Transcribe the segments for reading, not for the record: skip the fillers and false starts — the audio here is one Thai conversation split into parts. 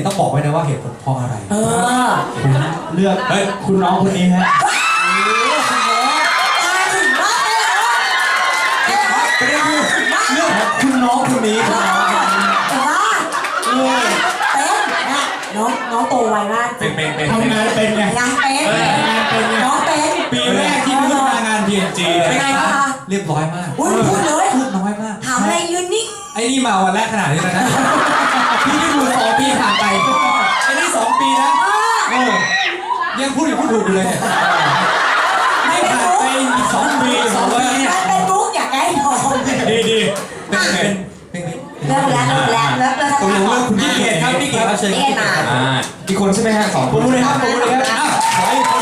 ต้องบอกไว้นะว่าเหตุผลเพราะอะไรผมเลือกคุณน้องคนนี้ฮะประเด็นคือเรื่องของคุณน้องคนนี้แต่ว่าเป็นนะน้องโตไวมากทำงานเป็นไงยังเป็นน้องเป็นปีแรกที่ขึ้นมางาน PNG เป็นไงคะเรียบร้อยมากพูดเลยพูดน้อยมากถามอะไรยืนนิ่งไอ้นี่มาวันแรกขนาดนี้แล้วนะพี่ไม่ดู2 ปีผ่านไปไอ้นี่2 ปีนะยังพูดอยู่พูดถูกอยู่เลยไม่ผ่านไปอีก2 ปีเป็นมุกอยากได้ทองดีเป็นเริ่มแล้วตรงเรื่องคุณพี่เกศครับพี่เกศครับเชิญพี่มาอีกคนใช่ไหมฮะ2 คนเลยครับขออีกคน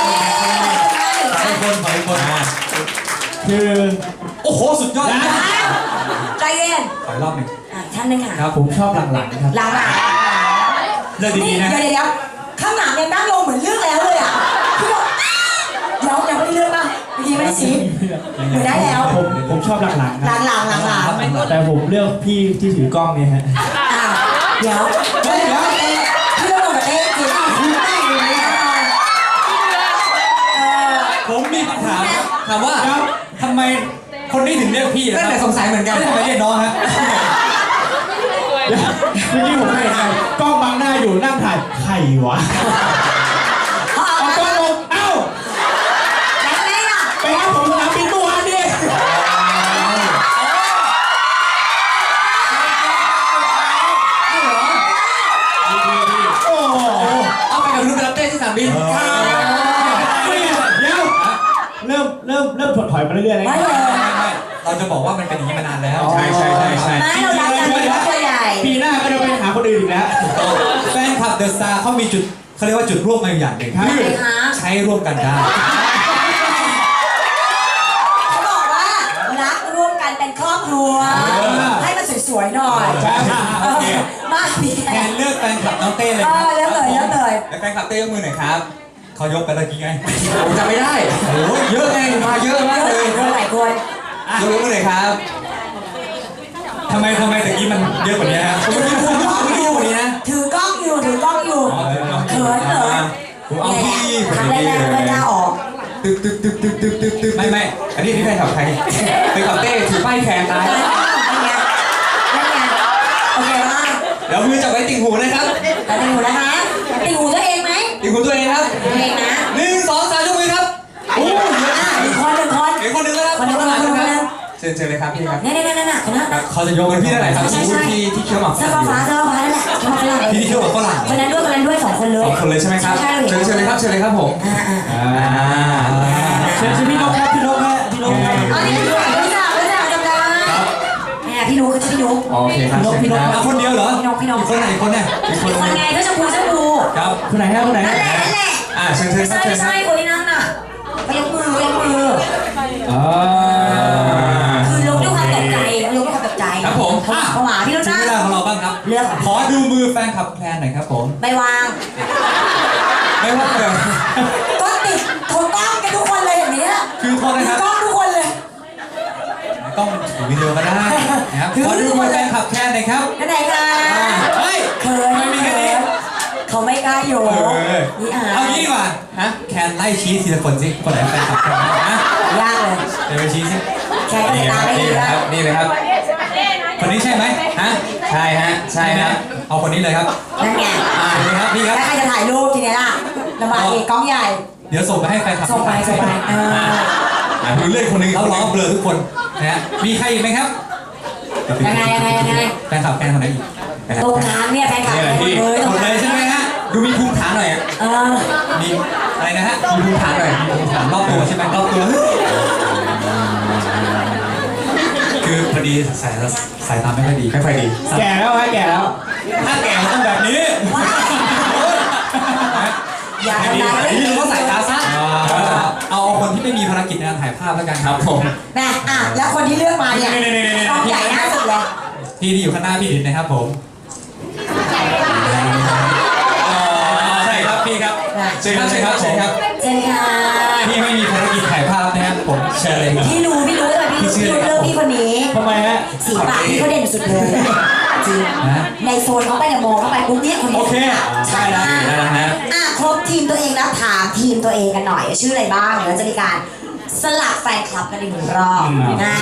คือโอ้โหสุดยอดใจเย็นขอรอบหนึ่งท่านนึงค่ะครับผมชอบหลังๆครับหลังเรื่องดีๆนะเดี๋ยวข้างหลังยังนั่งลงเหมือนเรื่องแล้วเลยอ่ะพี่บอกเดี๋ยวยังไม่ได้เรื่องป่ะเมื่อกี้ไม่ได้ชี้เหมือนได้แล้วผมชอบหลังๆหลังแต่ผมเลือกพี่ที่ถือกล้องเนี่ยฮะเดี๋ยวพี่เรื่องกับเอ๊ะจริงผมมีคำถามว่าทำไมคนนี้ถึงเรียกพี่นั่นแหละสงสัยเหมือนกันทำไมเรียกน้องฮะเมื่อกี้ผมเห็นกล้องบังหน้าอยู่นั่งถ่ายใครวะเอากล้องลงเอ้าไปรับผมสนามบินเมื่อวานดิโอ้เอาไปกับลูกไปรับเต้ที่สนามบินเริ่มถอยมาเรื่อยๆไม่เราจะบอกว่ามันเป็นอย่างนี้มานานแล้วใช่ไม่เราดังกันเป็นตัวใหญ่ปีหน้าก็จะไปหาคนอื่นอีกแล้วแฟนคลับเดอะสตาร์เขามีจุดเขาเรียกว่าจุดร่วมมาอย่างหนึ่งคือใช้ร่วมกันได้เขาบอกว่ารักร่วมกันเป็นครอบครัวให้มันสวยๆหน่อยมาพี่แทนเลือกแฟนคลับน้องเต้เลยครับแล้วแฟนคลับเต้ยกมือหน่อยครับเขายกไปตะกี้ไงผมจำไม่ได้โอ้เยอะไงมาเยอะมากเลยหลายคนยกมือหน่อยครับทำไมตะกี้มันเยอะกว่านี้ฮะผมไม่พูดเยอะกว่านี้นะถือกล้องอยู่เขินผมเอาพี่ทำแรงๆไม่กล้าออกตึกไม่อันนี้ใครขับใครไปขับเต้ถือป้ายแขนตายโอเคมากเดี๋ยวมือจับไว้ติ่งหูนะครับติ่งหูนะคะติ่งหูตัวเองไหมติ่งหูตัวเองครับตัวเองนะ 1 2 3ยกมือครับโอ้ยคนหนึ่งแล้วครับเชิญเลยครับพี่ครับนี่เขาจะยกกันพี่ได้ไหนครับที่เคี้ยวหมากเสื้อฟ้านั่นแหละพี่ที่เคี้ยวหมากฝรั่งคนนั้นด้วย2 คนเลย 2 คนเลยใช่ไหมครับเชิญเลยครับผมเชิญพี่นกครับพี่นกอ๋อนี่พี่นกจำได้พี่นุ๊กก็ชื่อพี่นุ๊กโอเคครับพี่นกคนเดียวเหรอพี่นกคนไหนคนเนี่ยคนไงก็ชมพูครับคนไหนนั่นแหละเชิญใช่คนนั้นน่ะไปยกมือคือลงด้วยความตกใจครับผมเข้ามาพี่นุ๊กนะเวลาของเราบ้างครับเลือกขอดูมือแฟนคลับแพนหน่อยครับผมไม่วางเลยก็ติดโทรกล้องกันทุกคนเลยอย่างนี้คือโทรนะครับกล้องทุกคนเลยกล้องถือวิดีโอก็ได้นะครับขอดูมือแฟนคลับแพนหน่อยครับไหนคะเฮ้ยไม่มีแค่นี้เขาไม่กล้าโยนเอางี้ดีกว่าแคนไล่ชี้ทีละคนสิคนไหนแฟนคลับแพนนะยากเลยเดี๋ยวไปชี้สิแคนตาไม่ดีครับนี่เลยครับคนนี้ใช่ไหมใช่ครับเอาคนนี้เลยครับนั่นไงนี่ครับพี่ครับแล้วใครจะถ่ายรูปทีนี้ล่ะลำบากอีกกล้องใหญ่เดี๋ยวส่งไปให้แฟนคลับส่งไปดูเลื่อนคนนึงเขาล้อเบลอทุกคนนะฮะมีใครอีกไหมครับยังไงแฟนคลับแฟนคนไหนอีกตรงกลางเนี่ยแฟนคลับเลยใช่ไหมฮะดูมีภูมิฐานหน่อยมีอะไรนะฮะมีภูมิฐานหน่อยภูมิฐานรอบตัวใช่ไหมรอบตัวคือพอดีสายตาไม่ค่อยดีแก่แล้วถ้าแก่ต้องแบบนี้อย่าทำร้ายนี่เราก็สายตาสั้นเอาคนที่ไม่มีภารกิจในการถ่ายภาพแล้วกันครับผมนะแล้วคนที่เลือกมาเนี่ยใหญ่น่าสุดเลยพี่ที่อยู่ข้างหน้าพี่ดินนะครับผมใช่ครับพี่ครับเชิญครับเชิญค่ะพี่ไม่มีภารกิจถ่ายภาพนะครับผมเชิญเลยครับพี่รู้เลยพี่ชื่อพี่อะไรเลือกพี่คนนี้ทำไมฮะสีปากพี่เขาเด่นสุดเลยจริงในโซนเขาไปเนี่ยมองเข้าไปปุ๊บเนี่ยคนนี้โอเคใช่ได้แล้วนะครบทีมตัวเองแล้วถามทีมตัวเองกันหน่อยชื่ออะไรบ้างเดี๋ยวจะมีการสลับแฟนคลับกันอีกหนึ่งรอบนะ